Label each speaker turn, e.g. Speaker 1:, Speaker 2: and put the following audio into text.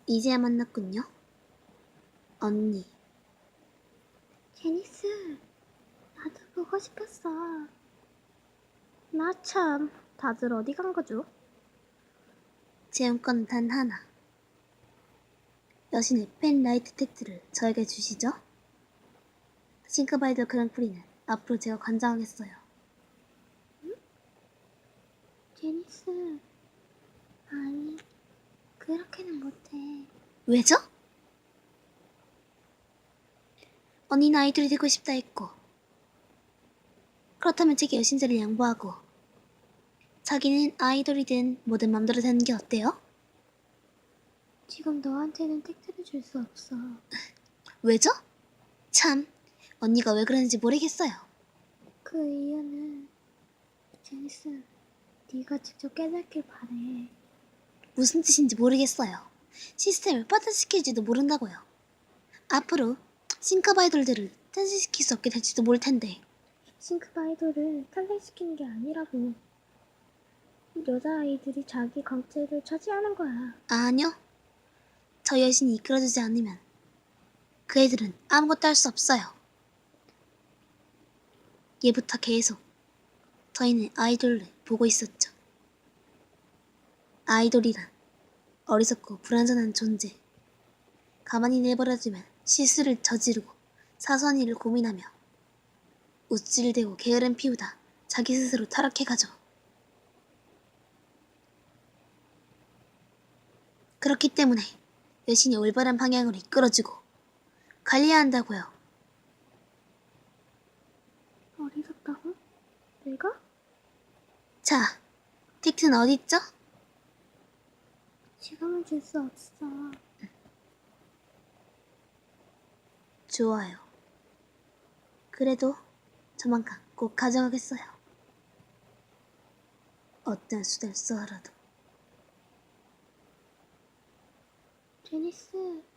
Speaker 1: 이제야 만났군요. 언니.
Speaker 2: 제니스, 나도 보고 싶었어. 나 참, 다들 어디 간 거죠?
Speaker 1: 제용건 단 하나. 여신의 펜라이트 텍트를 저에게 주시죠. 싱크바이더 그랑프리는 앞으로 제가 관장하겠어요.
Speaker 2: 제니스, 아니, 그렇게는 못해.
Speaker 1: 왜죠? 언니는 아이돌이 되고 싶다 했고, 그렇다면 제게 여신제를 양보하고, 자기는 아이돌이든 뭐든 맘대로 되는 게 어때요?
Speaker 2: 지금 너한테는 텍트를 줄 수 없어.
Speaker 1: 왜죠? 참, 언니가 왜 그러는지 모르겠어요.
Speaker 2: 그 이유는 제니스, 네가 직접 깨닫길 바래.
Speaker 1: 무슨 뜻인지 모르겠어요. 시스템을 빠듯시킬지도 모른다고요. 앞으로 싱크바이돌들을 탄생시킬 수 없게 될지도 모를 텐데.
Speaker 2: 싱크바이더를 탄생시키는 게 아니라고. 여자아이들이 자기 강체를 차지하는 거야.
Speaker 1: 아니요. 저 여신이 이끌어주지 않으면 그 애들은 아무것도 할 수 없어요. 예부터 계속 저희는 아이돌을 보고 있었죠. 아이돌이란 어리석고 불완전한 존재. 가만히 내버려두면 실수를 저지르고 사소한 일을 고민하며 우쭐대고 게으름 피우다 자기 스스로 타락해가죠. 그렇기 때문에 여신이 올바른 방향으로 이끌어주고 관리해야 한다고요.
Speaker 2: 어리석다고? 내가?
Speaker 1: 자, 틱트는 어딨죠?
Speaker 2: 지금은 줄 수 없어.
Speaker 1: 좋아요. 그래도 저만큼 꼭 가져가겠어요. 어떤 수단을 써라도.
Speaker 2: 제니스,